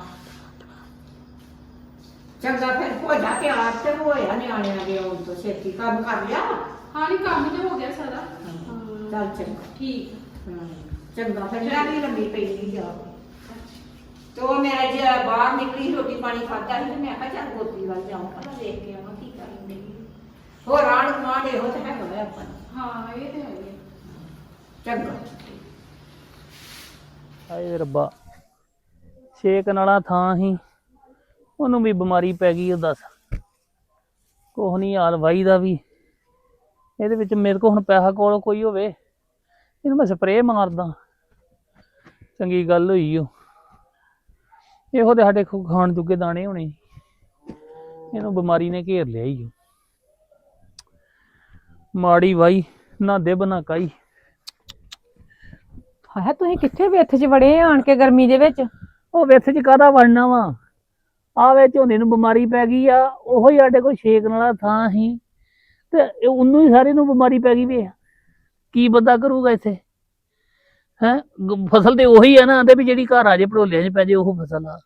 ਚੰਗਾ ਫਿਰ ਹੋ ਜਾ ਕੇ ਆਪ ਤੇ ਹੋਇਆ ਨਿਆਣਿਆਂ ਦੇ ਆਉਣ ਤੋਂ ਛੇਤੀ ਕੰਮ ਕਰ ਲਿਆ। ਹਾਂ ਨਹੀਂ ਕੰਮ ਤੇ ਹੋ ਗਿਆ ਸਾਰਾ। ਹਾਂ ਚੱਲ ਚੰਗਾ। ਠੀਕ ਹਾਂ ਚੰਗਾ ਫਿਰ ਮੈਂ ਵੀ ਲੰਮੀ ਪਈ ਨਹੀਂ ਜਾ। ਤੇ ਉਹ ਮੇਰਾ ਜੇ ਬਾਹਰ ਨਿਕਲੀ ਰੋਟੀ ਪਾਣੀ ਖਾਧਾ ਸੀ ਤੇ ਮੈਂ ਕਿਹਾ ਚੱਲ ਗੋਪੀ ਵੱਲ ਜਾਵਾਂ, ਪਹਿਲਾਂ ਦੇਖ ਕੇ ਆਵਾਂ ਕੀ ਕਰਨ ਡਈ ਹੈ। ਹੋਰ ਆਂਢ ਗੁਆਂਢ ਇਹੋ ਤੇ ਹੈਗਾ ਵਾ ਆਪਾਂ ਨੂੰ। ਹਾਂ ਇਹ ਤੇ ਹੈ ਹੀ ਹੈ। ਚੰਗਾ। ਹਾਏ ਰੱਬਾ, ਛੇਕ ਨਾਲਾ ਥਾਂ ਹੀ ਉਹਨੂੰ ਵੀ ਬਿਮਾਰੀ ਪੈ ਗਈ। ਉਹ ਦੱਸ ਕੁਛ ਨਹੀਂ ਹਾਲ ਵਾਈ ਦਾ ਵੀ। ਇਹਦੇ ਵਿੱਚ ਮੇਰੇ ਕੋਲ ਹੁਣ ਪੈਸਾ ਕੋਲ ਕੋਈ ਹੋਵੇ, ਇਹਨੂੰ ਮੈਂ ਸਪਰੇਅ ਮਾਰਦਾ। ਚੰਗੀ ਗੱਲ ਹੋਈ ਉਹ। ਇਹੋ ਤੇ ਸਾਡੇ ਖੋ- ਖਾਣ ਜੋਗੇ ਦਾਣੇ ਹੋਣੇ ਸੀ। ਇਹਨੂੰ ਬਿਮਾਰੀ ਨੇ ਘੇਰ ਲਿਆ ਹੀ ਮਾੜੀ ਵਾਈ ਨਾ ਦੇ ਬਣਾ ਕਾਈ। ਹਾਏ ਤੁਸੀਂ ਕਿੱਥੇ ਵਿੱਥ 'ਚ ਵੜੇ ਆਣ ਕੇ ਗਰਮੀ ਦੇ ਵਿੱਚ? ਉਹ ਵਿੱਥ ਚ ਕਾਹਦਾ ਵੜਨਾ ਵਾ, ਆਵੇ ਝੋਨੇ ਨੂੰ ਬਿਮਾਰੀ ਪੈ ਗਈ ਆ। ਉਹੋ ਹੀ ਸਾਡੇ ਕੋਲ ਛੇਕਣ ਵਾਲਾ ਥਾਂ ਸੀ ਤੇ ਇਹ ਉਹਨੂੰ ਹੀ ਸਾਰੇ ਨੂੰ ਬਿਮਾਰੀ ਪੈ ਗਈ ਵੇ। ਕੀ ਬੰਦਾ ਕਰੂਗਾ ਇੱਥੇ ਹੈ? ਫਸਲ ਤੇ ਉਹੀ ਆ ਨਾ, ਆਂਦੇ ਵੀ ਜਿਹੜੀ ਘਰ ਆ ਜੇ ਭੜੋਲਿਆਂ 'ਚ ਪੈ ਜੇ ਉਹ ਫਸਲ ਆ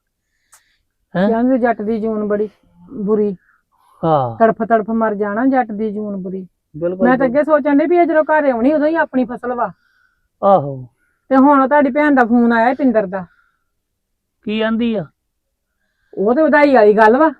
ਹੈ। ਕਹਿੰਦੇ ਜੱਟ ਦੀ ਜੂਨ ਬੜੀ ਬੁਰੀ, ਹਾਂ ਤੜਫ ਤੜਫ ਮਰ ਜਾਣਾ ਜੱਟ ਦੀ ਜੂਨ ਬੁਰੀ। ਬਿਲਕੁਲ। ਮੈਂ ਤਾਂ ਅੱਗੇ ਸੋਚਣ ਡਈ ਵੀ ਇਹ ਜਦੋਂ ਘਰ ਆਉਣੀ ਉਦੋਂ ਹੀ ਆਪਣੀ ਫਸਲ ਵਾ, ਆਹੋ ਤੇ ਹੁਣ ਤੁਹਾਡੀ ਭੈਣ ਦਾ ਫੋਨ ਆਇਆ ਪਿੰਦਰ ਦਾ। ਕੀ ਆਂਦੀ ਆ? ਉਹ ਤੇ ਵਧਾਈ ਵਾਲੀ ਗੱਲ ਵਾ।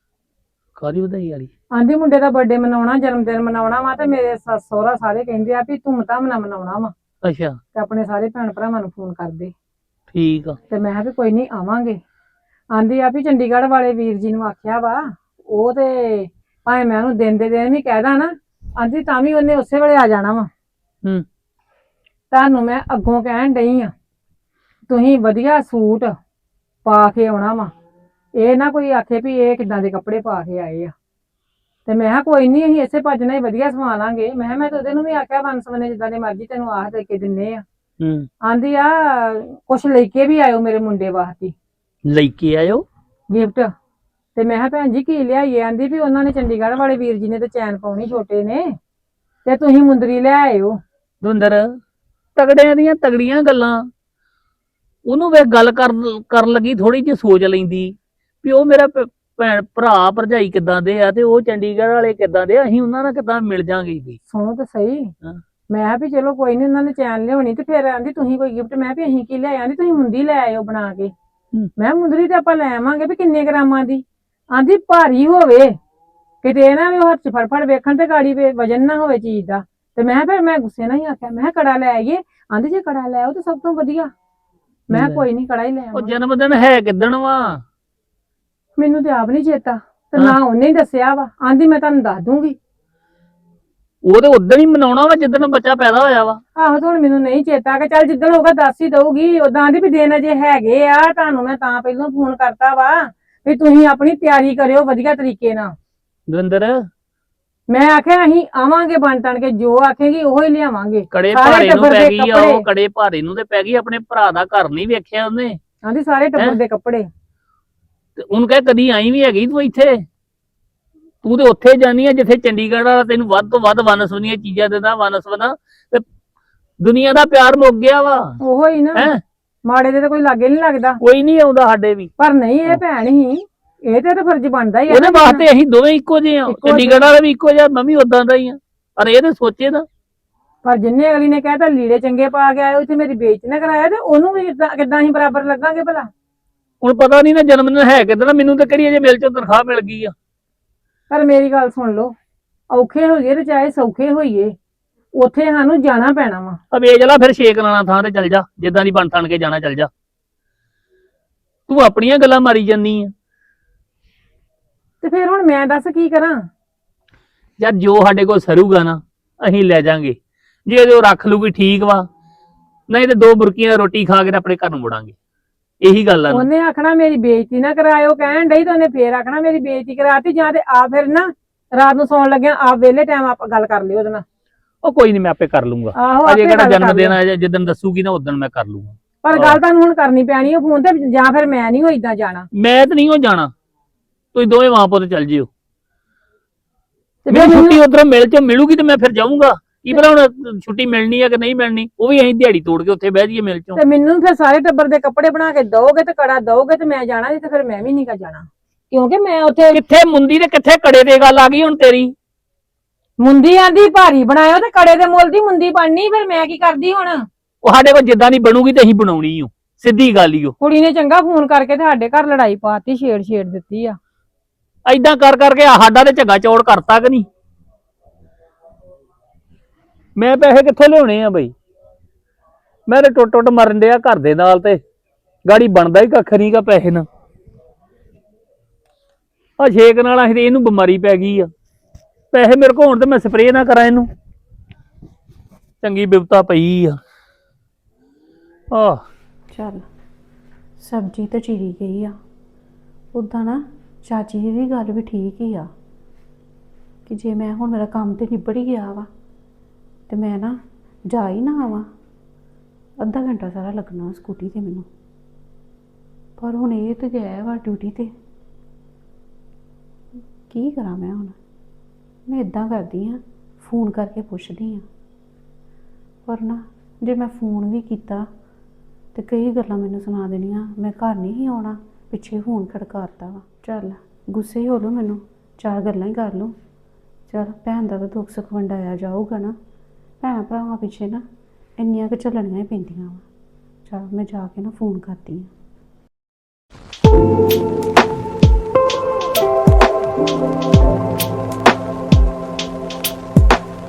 ਕਾਹਦੀ ਵਧਾਈ ਵਾਲੀ? ਆਂਦੀ ਮੁੰਡੇ ਦਾ ਬਰਥਡੇ ਮਨਾਉਣਾ, ਜਨਮ ਦਿਨ ਮਨਾਉਣਾ ਵਾ, ਤੇ ਮੇਰੇ ਸੱਸ ਸਹੁਰਾ ਸਾਰੇ ਕਹਿੰਦੇ ਆ ਵੀ ਧੂਮ ਧਾਮ ਨਾਲ ਮਨਾਉਣਾ ਵਾ, ਅੱਛਾ ਤੇ ਆਪਣੇ ਸਾਰੇ ਭੈਣ ਭਰਾਵਾਂ ਨੂੰ ਫੋਨ ਕਰਦੇ। ਠੀਕ ਆ। ਤੇ ਮੈਂ ਕਿਹਾ ਵੀ ਕੋਈ ਨਹੀਂ ਆਵਾਂਗੇ। ਆਂਦੀ ਆ ਵੀ ਚੰਡੀਗੜ੍ਹ ਵਾਲੇ ਵੀਰ ਜੀ ਨੂੰ ਆਖਿਆ ਵਾ, ਉਹ ਤੇ ਭਾਵੇਂ ਮੈਂ ਉਹਨੂੰ ਦਿਨ ਦੇ ਦਿਨ ਵੀ ਕਹਿਦਾ ਨਾ, ਆਂਦੀ ਤਾਂ ਵੀ ਉਹਨੇ ਉਸੇ ਵੇਲੇ ਆ ਜਾਣਾ ਵਾ। ਹੂੰ ਤੁਹਾਨੂੰ ਮੈਂ ਅੱਗੋਂ ਕਹਿਣ ਡਈ ਆ, ਤੁਸੀਂ ਵਧੀਆ ਸੂਟ ਪਾ ਕੇ ਆਉਣਾ ਵਾ, ਇਹ ਨਾ ਕੋਈ ਆਖੇ ਵੀ ਇਹ ਕਿੱਦਾਂ ਦੇ ਕੱਪੜੇ ਪਾ ਕੇ ਆਏ ਆ। ਤੇ ਮੈਂ ਕਿਹਾ ਕੋਈ ਨਹੀਂ, ਅਸੀਂ ਇਸੇ ਭੱਜ ਨਾਲ ਹੀ ਵਧੀਆ ਸਵਾ ਲਾਂਗੇ। ਮੈਂ ਕਿਹਾ ਮੈਂ ਤਾਂ ਉਹਦੇ ਨੂੰ ਵੀ ਆਖਿਆ ਵੰਨ ਸਵੰਨੇ ਜਿੱਦਾਂ ਦੇ ਮਰਜ਼ੀ ਤੈਨੂੰ ਆਹ ਦੇ ਕੇ ਦਿੰਨੇ ਆ। ਹੂੰ ਆਂਦੀ ਆ ਕੁਛ ਲੈ ਕੇ ਵੀ ਆਇਓ ਮੇਰੇ ਮੁੰਡੇ ਵਾਸਤੇ ਲੈ ਕੇ ਆਇਓ ਗਿਫਟ। ਤੇ ਮੈਂ ਕਿਹਾ ਭੈਣ ਜੀ ਕੀ ਲਿਆਈਏ? ਆਂਦੀ ਵੀ ਉਹਨਾਂ ਨੇ ਚੰਡੀਗੜ੍ਹ ਵਾਲੇ ਵੀਰ ਜੀ ਨੇ ਤੇ ਚੈਨ ਪਾਉਣੀ ਛੋਟੇ ਨੇ, ਤੇ ਤੁਸੀਂ ਮੁੰਦਰੀ ਲੈ ਆਇਓ। ਦੁੰਦਰ ਤਗੜਿਆਂ ਦੀਆਂ ਤਗੜੀਆਂ ਗੱਲਾਂ। ਉਹਨੂੰ ਵੇ ਗੱਲ ਕਰ ਕਰਨ ਲੱਗੀ ਥੋੜੀ ਜਿਹੀ ਸੋਚ ਲੈਂਦੀ ਵੀ ਉਹ ਮੇਰਾ ਭ- ਭੈਣ ਭਰਾ ਭਰਜਾਈ ਕਿੱਦਾਂ ਦੇ ਆ ਤੇ ਉਹ ਚੰਡੀਗੜ੍ਹ ਵਾਲੇ ਕਿੱਦਾਂ ਦੇ ਆ, ਅਸੀਂ ਉਹਨਾਂ ਨਾਲ ਕਿੱਦਾਂ ਮਿਲ ਜਾਾਂਗੇ ਵੀ। ਸੁਣੋ ਤਾਂ ਸਹੀ। ਹਾਂ। ਮੈਂ ਕਿਹਾ ਵੀ ਚਲੋ ਕੋਈ ਨਹੀਂ, ਉਹਨਾਂ ਨੇ ਚੈਨ ਲਿਆਉਣੀ ਤੇ ਫਿਰ ਆਂਦੀ ਤੁਸੀਂ ਕੋਈ ਗਿਫਟ। ਮੈਂ ਵੀ ਅਸੀਂ ਕੀ ਲੈ ਆਂਦੀ ਤੁਸੀਂ ਮੁੰਦੀ ਲੈ ਆਇਓ ਬਣਾ ਕੇ। ਹੂੰ। ਮੈਂ ਮੁੰਦਰੀ ਤੇ ਆਪਾਂ ਲੈ ਆਵਾਂਗੇ ਵੀ ਕਿੰਨੇ ਗ੍ਰਾਮਾਂ ਦੀ। ਆਂਦੀ ਭਾਰੀ ਹੋਵੇ, ਕਿਤੇ ਇਹ ਨਾ ਵੀ ਉਹ ਹੱਥ 'ਚ ਫੜ ਫੜ ਵੇਖਣ ਤੇ ਗਾੜੀ ਵੇ ਵਜਨ ਨਾ ਹੋਵੇ ਚੀਜ਼ ਦਾ। ਤੇ ਮੈਂ ਫਿਰ ਮੈਂ ਗੁੱਸੇ ਨਾਲ ਹੀ ਆਖਿਆ, ਮੈਂ ਕਿਹਾ ਕੜਾ ਲੈ ਆਈਏ। ਆਂਦੀ ਜੇ ਕੜਾ ਲੈ ਆਓ ਤਾਂ ਸਭ ਤੋਂ ਵਧੀਆ। ਮੈਂ ਕਿਹਾ ਕੋਈ ਨਹੀਂ ਕੜਾ ਹੀ ਲੈ ਉਹ ਆਵਾਂਗੇ। ਜਨਮ ਦਿਨ ਹੈ ਕਿੱਦਣ ਵਾ? ਮੈਨੂੰ ਤੇ ਆਪ ਨਹੀਂ ਚੇਤਾ, ਤੇ ਹਾਂ। ਨਾ ਉਹਨੇ ਹੀ ਦੱਸਿਆ ਵਾ। ਆਂਦੀ ਮੈਂ ਤੁਹਾਨੂੰ ਦੱਸ ਦੂੰਗੀ। ਉਹ ਤੇ ਉਦੋਂ ਹੀ ਮਨਾਉਣਾ ਵਾ ਜਿੱਦਣ ਬੱਚਾ ਪੈਦਾ ਹੋਇਆ ਵਾ। ਆਹੋ ਤੇ ਹੁਣ ਮੈਨੂੰ ਨਹੀਂ ਚੇਤਾ ਕਿ ਚੱਲ ਜਿੱਦਣ ਹੋਊਗਾ ਦੱਸ ਹੀ ਦਊਗੀ। ਉਦਾਂ ਆਂਦੀ ਵੀ ਦਿਨ ਅਜੇ ਹੈਗੇ ਆ, ਤੁਹਾਨੂੰ ਮੈਂ ਤਾਂ ਪਹਿਲਾਂ ਫੋਨ ਕਰਤਾ ਵਾ ਵੀ ਤੁਸੀਂ ਆਪਣੀ ਤਿਆਰੀ ਕਰਿਓ ਵਧੀਆ ਤਰੀਕੇ ਨਾਲ। ਦਵਿੰਦਰ ਮੈਂ ਆਖਿਆ ਅਸੀਂ ਆਵਾਂਗੇ ਬਣ ਤਣ ਕੇ, ਜੋ ਆਖੇਗੀ ਉਹ ਹੀ ਲਿਆਵਾਂਗੇ। ਕੜੇ ਸਾਰੇ ਭਾਰੇ ਨੂੰ ਟੱਬਰ ਪੈ ਦੇ ਗਈ ਆ, ਕੱਪੜੇ। ਉਹ ਕੜੇ ਭਾਰੇ ਨੂੰ ਤੇ ਪੈ ਗਈ। ਆਪਣੇ ਭਰਾ ਦਾ ਘਰ ਨਹੀਂ ਵੇਖਿਆ ਉਹਨੇ ਆਂਦੀ ਸਾਰੇ ਟੱਬਰ ਦੇ ਕੱਪੜੇ। ਤੇ ਉਹਨੂੰ ਕਹੇ ਕਦੀ ਆਈ ਵੀ ਹੈਗੀ ਤੂੰ ਇੱਥੇ? ਤੂੰ ਤੇ ਉੱਥੇ ਜਾਨੀ ਆ ਜਿੱਥੇ ਚੰਡੀਗੜ੍ਹ ਵਾਲਾ ਤੈਨੂੰ ਵੱਧ ਤੋਂ ਵੱਧ ਵਨਸਵਨੀਆਂ ਚੀਜ਼ਾਂ ਦਿੰਦਾ। ਵਨਸਵਨਾ ਤੇ ਦੁਨੀਆ ਦਾ ਪਿਆਰ ਮੁੱਕ ਗਿਆ ਵਾ। ਉਹੋ ਹੀ ਨਾ, ਹੈ ਮਾੜੇ ਦੇ ਤਾਂ ਕੋਈ ਲਾਗੇ ਨਹੀਂ ਲੱਗਦਾ। ਕੋਈ ਨਹੀਂ ਆਉਂਦਾ ਸਾਡੇ ਵੀ। ਪਰ ਨਹੀਂ, ਇਹ ਭੈਣ ਹੀ, ਇਹ ਤੇ ਤਾਂ ਫਰਜ਼ ਬਣਦਾ ਹੀ ਆ ਉਹਦੇ ਨਾ। ਵਾਸਤੇ ਅਸੀਂ ਦੋਵੇਂ ਇੱਕੋ ਜਿਹੇ ਆ। ਇੱਕੋ ਚੰਡੀਗੜ੍ਹ ਵਾਲਾ ਵੀ ਇੱਕੋ ਜਿਹਾ, ਮੈਂ ਵੀ ਉਦਾਂ ਦਾ ਹੀ ਆ। ਪਰ ਇਹ ਤੇ ਸੋਚੇ ਨਾ। ਪਰ ਜਿੰਨੇ ਅਗਲੀ ਨੇ ਕਹਿਤਾ ਲੀੜੇ ਚੰਗੇ ਪਾ ਕੇ ਆਇਓ, ਇੱਥੇ ਮੇਰੀ ਬੇਇੱਜ਼ਤੀ ਨਾ ਕਰਾਇਆ, ਤੇ ਉਹਨੂੰ ਵੀ ਕਿੱਦਾਂ ਕਿੱਦਾਂ ਅਸੀਂ ਬਰਾਬਰ ਲੱਗਾਂਗੇ ਭਲਾ? ਹੁਣ ਪਤਾ ਨਹੀਂ ਨਾ ਜਨਮ ਦਿਨ ਹੈ ਕਿੱਦਾਂ। ਮੈਨੂੰ ਤਾਂ ਕਿਹੜੀ ਅਜੇ ਮਿਲ ਚੋਂ ਤਨਖਾਹ ਮਿਲ ਗਈ ਆ। ਪਰ ਮੇਰੀ ਗੱਲ ਸੁਣ ਲਓ, ਔਖੇ ਹੋਈਏ ਤੇ ਚਾਹੇ ਸੌਖੇ ਹੋਈਏ, ਉੱਥੇ ਸਾਨੂੰ ਜਾਣਾ ਪੈਣਾ ਵਾ। ਆ ਵੇਚ ਲਾ ਫਿਰ ਛੇਕ ਲਾਣਾ ਥਾਂ ਤੇ ਚੱਲ ਜਾ, ਜਿੱਦਾਂ ਦੀ ਬਣ ਥਣ ਕੇ ਜਾਣਾ ਚੱਲ ਜਾ। ਤੂੰ ਆਪਣੀਆਂ ਗੱਲਾਂ ਮਾਰੀ ਜਾਂਦੀ ਆ। ਤੇ ਫਿਰ ਹੁਣ ਮੈਂ ਦੱਸ ਕੀ ਕਰਾਂ? ਯਾਰ ਜੋ ਸਾਡੇ ਕੋਲ ਸਰੂਗਾ ਨਾ ਅਸੀਂ ਲੈ ਜਾਾਂਗੇ। ਜੇ ਉਹ ਰੱਖ ਲੂਗੀ ਠੀਕ ਵਾ, ਨਹੀਂ ਤੇ ਦੋ ਬੁਰਕੀਆਂ ਰੋਟੀ ਖਾ ਕੇ ਤੇ ਆਪਣੇ ਘਰ ਨੂੰ ਮੁੜਾਂਗੇ। ਇਹੀ ਗੱਲ ਆ ਨਾ। ਉਹਨੇ ਆਖਣਾ ਮੇਰੀ ਬੇਇੱਜ਼ਤੀ ਨਾ ਕਰਾਇਓ, ਕਹਿਣ ਡਈ, ਤਾਂ ਉਹਨੇ ਫੇਰ ਆਖਣਾ ਮੇਰੀ ਬੇਇੱਜ਼ਤੀ ਕਰਾਤੀ। ਜਾਂ ਤੇ ਆ ਫਿਰ ਨਾ ਰਾਤ ਨੂੰ ਸੌਣ ਲੱਗਿਆ ਆਪ ਵਿਹਲੇ ਟਾਈਮ ਆਪ ਗੱਲ ਕਰ ਲਿਓ ਉਹਦੇ ਨਾਲ। ਉਹ ਕੋਈ ਨਹੀਂ, ਮੈਂ ਆਪੇ ਕਰ ਲੂੰਗਾ। ਆਹੋ ਅਜੇ ਆਪੇ ਕਿਹੜਾ ਗੱਲ ਜਨਮ ਕਰ ਦਿਨ ਲਿਓ। ਆ, ਜਿੱਦਣ ਦੱਸੂਗੀ ਨਾ ਉਦੋਂ ਮੈਂ ਕਰ ਲੂੰਗਾ। ਪਰ ਗੱਲ ਤੁਹਾਨੂੰ ਹੁਣ ਕਰਨੀ ਪੈਣੀ ਉਹ ਫੋਨ ਤੇ, ਜਾਂ ਫਿਰ ਮੈਂ ਨਹੀਂ ਹੋ ਏਦਾਂ ਜਾਣਾ। ਮੈਂ ਤਾਂ ਨਹੀਂ ਹੋ ਜਾਣਾ, ਤੁਸੀਂ ਦੋਵੇਂ ਮਾਂ ਪੁੱਤ ਚੱਲ ਜਿਓ। ਤੇ ਮੈਨੂੰ ਫਿਰ ਛੁੱਟੀ ਉਧਰੋਂ ਮਿਲ ਚ ਮਿਲੂਗੀ ਤੇ ਮੈਂ ਫਿਰ ਜਾਊਂਗਾ। ਕੀ ਪਤਾ ਹੁਣ ਛੁੱਟੀ ਮਿਲਣੀ ਆ ਕਿ ਨਹੀਂ ਮਿਲਣੀ, ਉਹ ਵੀ ਅਸੀਂ ਦਿਹਾੜੀ ਤੋੜ ਕੇ ਉੱਥੇ ਬਹਿ ਜਾਈਏ ਮਿਲ ਚੋਂ। ਤੇ ਮੈਨੂੰ ਫਿਰ ਸਾਰੇ ਟੱਬਰ ਦੇ ਕੱਪੜੇ ਬਣਾ ਕੇ ਦਓਗੇ ਤੇ ਕੜਾ ਦਓਗੇ ਤੇ ਮੈਂ ਜਾਣਾ, ਨਹੀਂ ਤੇ ਫਿਰ ਮੈਂ ਵੀ ਨਹੀਂ ਕਾ ਜਾਣਾ। ਕਿਉਂਕਿ ਮੈਂ ਉੱਥੇ ਕਿੱਥੇ ਮੁੰਦੀ ਤੇ ਕਿੱਥੇ ਕੜੇ ਤੇ ਗੱਲ ਆ ਗਈ ਹੁਣ ਤੇਰੀ। ਮੁੰਦੀ ਆਂਦੀ ਭਾਰੀ ਬਣਾਇਓ ਤੇ ਕੜੇ ਦੇ ਮੁੱਲ ਦੀ ਮੁੰਦੀ ਬਣਨੀ, ਫਿਰ ਮੈਂ ਕੀ ਕਰਦੀ ਹੁਣ? ਉਹ ਸਾਡੇ ਕੋਲ ਜਿੱਦਾਂ ਦੀ ਬਣੂਗੀ ਤੇ ਅਸੀਂ ਬਣਾਉਣੀ ਓ, ਸਿੱਧੀ ਗੱਲ ਈ ਓ। ਕੁੜੀ ਨੇ ਚੰਗਾ ਫੋਨ ਕਰਕੇ ਤੇ ਸਾਡੇ ਘਰ ਲੜਾਈ ਪਾਤੀ, ਛੇੜ ਛੇੜ ਦਿੱਤੀ ਆ। ਐਦਾਂ ਕਰ ਕਰਕੇ ਸਾਡਾ ਤੇ ਝੱਗਾ ਚੌੜ ਕਰਤਾ ਕਿ ਨਹੀਂ। ਮੈਂ ਪੈਸੇ ਕਿੱਥੋਂ ਲਿਆਉਣੇ ਆ ਬਈ? ਮੈਂ ਤੇ ਟੁੱਟ ਟੁੱਟ ਮਰਨ ਡਿਆ ਘਰ ਦੇ ਨਾਲ, ਤੇ ਗਾੜੀ ਬਣਦਾ ਹੀ ਕੱਖ ਨਹੀਂ ਗਾ ਪੈਸੇ ਨਾਲ। ਆ ਛੇਕ ਨਾਲ ਅਸੀਂ ਤੇ ਇਹਨੂੰ ਬਿਮਾਰੀ ਪੈ ਗਈ ਆ। ਪੈਸੇ ਮੇਰੇ ਕੋਲ ਹੋਣ ਤੇ ਮੈਂ ਸਪਰੇਅ ਨਾ ਕਰਾਂ ਇਹਨੂੰ, ਚੰਗੀ ਬਿਪਤਾ ਪਈ ਆ। ਆਹ ਚੱਲ ਸਬਜ਼ੀ ਤਾਂ ਚੀਰੀ ਗਈ ਆ। ਉੱਦਾਂ ਨਾ ਚਾਚੀ ਜੀ ਦੀ ਗੱਲ ਵੀ ਠੀਕ ਹੀ ਆ ਕਿ ਜੇ ਮੈਂ ਹੁਣ ਮੇਰਾ ਕੰਮ ਤੇ ਨਿਬੜ ਹੀ ਗਿਆ ਵਾ ਤੇ ਮੈਂ ਨਾ ਜਾ ਹੀ ਨਾ ਆਵਾਂ, ਅੱਧਾ ਘੰਟਾ ਸਾਰਾ ਲੱਗਣਾ ਸਕੂਟੀ ਤੇ ਮੈਨੂੰ। ਪਰ ਹੁਣ ਇਹ ਤੇ ਗਿਆ ਵਾ ਡਿਊਟੀ ਤੇ, ਕੀ ਕਰਾਂ ਮੈਂ ਹੁਣ? ਮੈਂ ਇਦਾਂ ਕਰਦੀ ਹਾਂ, ਫੋਨ ਕਰਕੇ ਪੁੱਛਦੀ ਹਾਂ। ਪਰ ਨਾ ਜੇ ਮੈਂ ਫੋਨ ਵੀ ਕੀਤਾ ਤੇ ਕਈ ਗੱਲਾਂ ਮੈਨੂੰ ਸੁਣਾ ਦੇਣੀਆਂ, ਮੈਂ ਘਰ ਨਹੀਂ ਸੀ ਆਉਣਾ, ਪਿੱਛੇ ਫੋਨ ਖੜਕਾਤਾ ਵਾ। ਚੱਲ ਗੁੱਸੇ ਹੀ ਹੋ ਲਓ, ਮੈਨੂੰ ਚਾਰ ਗੱਲਾਂ ਹੀ ਕਰ ਲਓ। ਚੱਲ ਭੈਣ ਦਾ ਤਾਂ ਦੁੱਖ ਸੁੱਖ ਵੰਡਾਇਆ ਜਾਊਗਾ ਨਾ, ਭੈਣਾਂ ਭਰਾਵਾਂ ਪਿੱਛੇ ਨਾ ਇੰਨੀਆਂ ਕੁ ਝੱਲਣੀਆਂ ਹੀ ਪੈਂਦੀਆਂ ਵਾ। ਚੱਲ ਮੈਂ ਜਾ ਕੇ ਨਾ ਫੋਨ ਕਰਦੀ ਹਾਂ।